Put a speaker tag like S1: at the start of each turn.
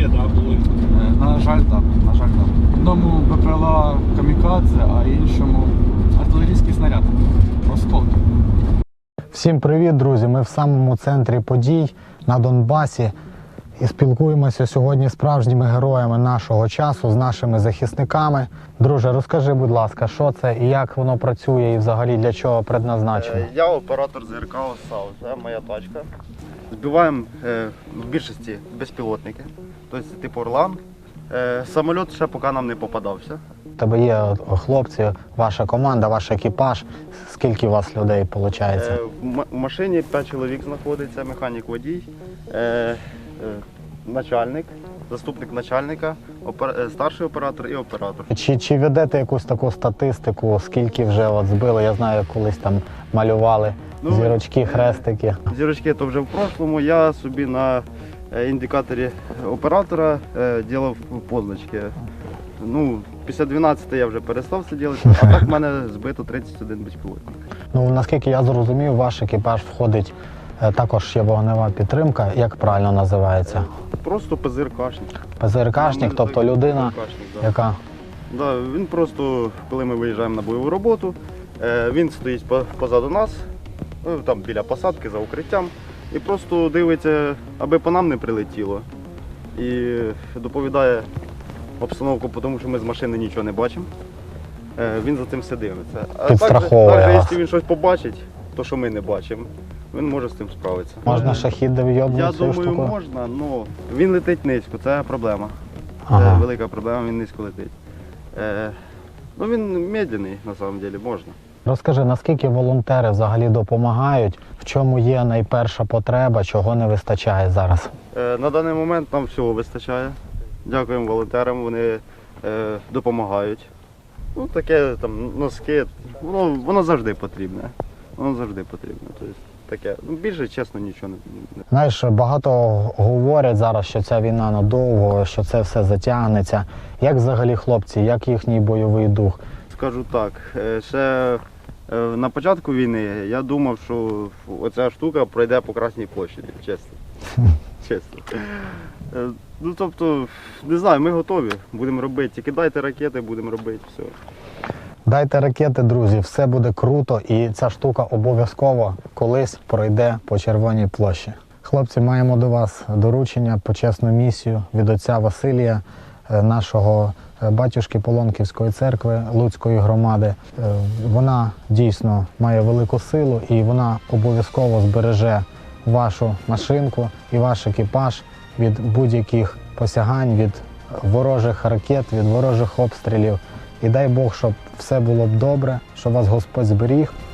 S1: є, да, були?
S2: На жаль, так. На жаль, так. Одному БПЛА камікадзе, а іншому артилерійський снаряд. Осколки.
S3: Всім привіт, друзі! Ми в самому центрі подій на Донбасі і спілкуємося сьогодні з справжніми героями нашого часу, з нашими захисниками. Друже, розкажи, будь ласка, що це і як воно працює і взагалі для чого предназначено?
S4: Я оператор ЗРК ОСАУ, це моя тачка. Збиваємо в більшості безпілотники, тобто типу Орлан. Самоліт ще поки нам не попадався.
S3: У тебе є хлопці, ваша команда, ваш екіпаж. Скільки у вас людей виходить?
S4: В машині 5 чоловік знаходиться, механік водій, начальник, заступник начальника, старший оператор і оператор.
S3: Чи ведете якусь таку статистику, скільки вже от збили? Я знаю, колись там малювали зірочки, хрестики.
S4: Зірочки то вже в прошлому. Я собі на індикаторі оператора робив позначки. Ну, після 12 я вже перестав це робити, а так в мене збито 31 безпілотник.
S3: Ну, наскільки я зрозумів, ваш екіпаж входить, також є вогнева підтримка, як правильно називається?
S4: Просто ПЗРКшник.
S3: ПЗРКшник, тобто людина,
S4: да.
S3: яка...
S4: Да, він просто, коли ми виїжджаємо на бойову роботу, він стоїть позаду нас, там біля посадки, за укриттям, і просто дивиться, аби по нам не прилетіло. І доповідає обстановку, тому що ми з машини нічого не бачимо. Він за цим все дивиться. А
S3: Підстраховує
S4: також,
S3: вас.
S4: якщо він щось побачить, то що ми не бачимо, він може з цим справитися.
S3: Можна шахід
S4: Я
S3: довйобнути цією
S4: думаю,
S3: штукою?
S4: можна, але він летить низько, це проблема.
S3: Ага.
S4: Це велика проблема, він низько летить. Ну він медленний, на самом деле, можна.
S3: Розкажи, наскільки волонтери взагалі допомагають, в чому є найперша потреба, чого не вистачає зараз?
S4: На даний момент нам всього вистачає. Дякуємо волонтерам, вони допомагають. Ну, таке там носки, воно завжди потрібне. Воно завжди потрібне. Тобто, таке. Ну, більше, чесно, нічого не.
S3: Знаєш, багато говорять зараз, що ця війна надовго, що це все затягнеться. Як взагалі хлопці, як їхній бойовий дух?
S4: Скажу так, ще на початку війни я думав, що оця штука пройде по Красній площаді, чесно. Чесно. Ну, тобто, не знаю, ми готові, будемо робити. Тільки дайте ракети, будемо робити, все.
S3: Дайте ракети, друзі, все буде круто і ця штука обов'язково колись пройде по Червоній площі. Хлопці, маємо до вас доручення, почесну місію від отця Василія, нашого батюшки Полонківської церкви Луцької громади. Вона дійсно має велику силу і вона обов'язково збереже вашу машинку і ваш екіпаж від будь-яких посягань, від ворожих ракет, від ворожих обстрілів. І дай Бог, щоб все було б добре, щоб вас Господь зберіг.